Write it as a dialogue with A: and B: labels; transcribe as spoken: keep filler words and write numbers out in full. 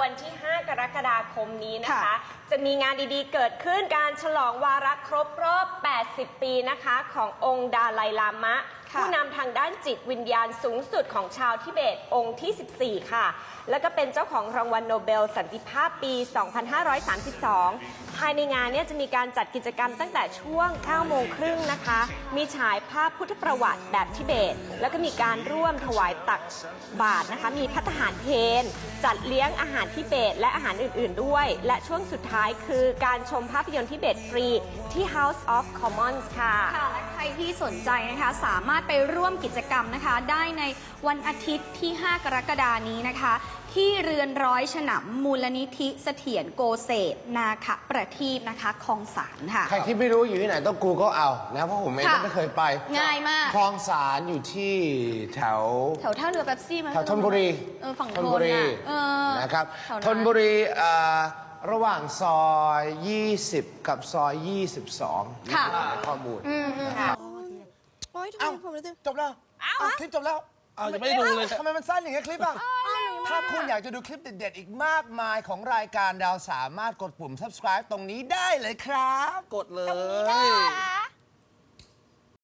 A: วันที่ ห้า กรกฎาคมนี้นะคะจะมีงานดีๆเกิดขึ้นการฉลองวาระครบรอบ แปดสิบ ปีนะคะขององค์ดาไลลามะผู้นำทางด้านจิตวิญญาณสูงสุดของชาวทิเบตองค์ที่ สิบสี่ ค่ะแล้วก็เป็นเจ้าของรางวัลโนเบลสันติภาพปี สองพันห้าร้อยสามสิบสอง ภายในงานนี้จะมีการจัดกิจกรรมตั้งแต่ช่วง เก้าโมงครึ่งนะคะมีฉายภาพพุทธประวัติแบบทิเบตแล้วก็มีการร่วมถวายตักบาตรนะคะมีภัตตาหารเพลจัดเลี้ยงอาหารทิเบตและอาหารอื่นๆด้วยและช่วงสุดท้ายคือการชมภาพยนตร์ทิเบตฟรีที่ House of Commons ค่ะ
B: ค่ะและใครที่สนใจนะคะสามารถไปร่วมกิจกรรมนะคะได้ในวันอาทิตย์ที่ ห้า กรกฎานี้นะคะที่เรือนร้อยฉนำมูลนิธิเสถียรโกเศษนาคประทีปนะคะคลองสารค่ะ
C: ใครที่ไม่รู้อยู่ที่ไหนต้อง Google เอานะเพราะผมเองก็ไม่เคยไป
B: ง่ายมาก
C: คลองสารอยู่ที่แถว
B: แถวท่าเรือเป๊ปซี่มั้ย
C: แถวธนบุรี
B: เออฝั่ง
C: ธนบุรีนะครับธนบุรีระหว่างซอยยี่สิบกับซอยยี่สิบสอง
B: ค่ะ
C: ข้อมูล
D: โอ๊ยทำไมผมรู้สึกจบแล้วคลิปจบแล้ว
E: อ้าวยังไม่ได้ดูเลย
D: ทำไมมันสั้นอย่างเงี้ยคลิปอ่ะถ้าคุณอยากจะดูคลิปเด็ดๆอีกมากมายของรายการเราสามารถกดปุ่ม subscribe ตรงนี้ได้เลยครับ
E: กดเลย